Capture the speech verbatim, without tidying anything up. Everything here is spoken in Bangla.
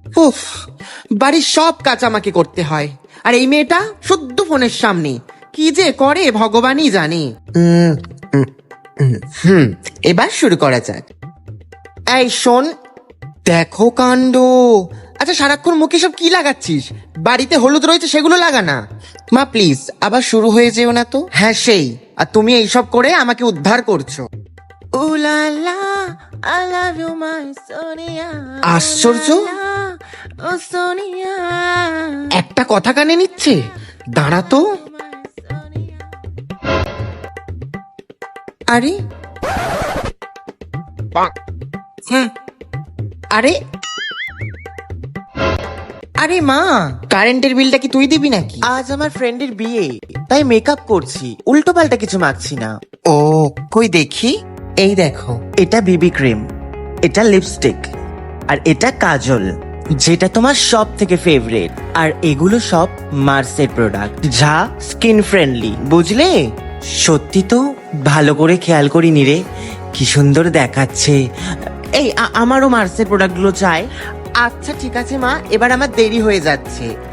উফ, বাড়ির সব কাজ আমাকে করতে হয়, আর এই মেয়েটা শুদ্ধ ফোনের সামনে কি যে করে ভগবানই জানে। উম, উম, উম, হুম এবার শুরু করা যাক। এই শোন, দেখো কাণ্ড। আচ্ছা সারাক্ষণ মুখে সব কি লাগাচ্ছিস? বাড়িতে হলুদ রয়েছে সেগুলো লাগা না। মা প্লিজ আবার শুরু হয়ে যেও না তো। হ্যাঁ সেই, আর তুমি এইসব করে আমাকে উদ্ধার করছো। উলালা, I love you my Sonia. আশ্চর্য, ও সোনিয়া। একটা কথা কানে নিচ্ছে, দাঁড়া তো। আরে হুম, আরে আরে মা, কারেন্টের বিলটা কি তুই দিবি নাকি? আজ আমার ফ্রেন্ডের বিয়ে, তাই মেকআপ করছি, উল্টো পাল্টা কিছু মাখছি না। ও কই দেখি। এই দেখো, এটা বিবি ক্রিম, এটা লিপস্টিক, আর এটা কাজল, যেটা তোমার সব থেকে ফেভারিট। আর এগুলো সব মার্সের প্রোডাক্ট, যা স্কিন ফ্রেন্ডলি, বুঝলে? সত্যি তো ভালো করে খেয়াল করিনি রে, কি সুন্দর দেখাচ্ছে। এই আ- আমারও মার্সের প্রোডাক্টগুলো চাই। আচ্ছা ঠিক আছে মা, এবার আমার দেরি হয়ে যাচ্ছে।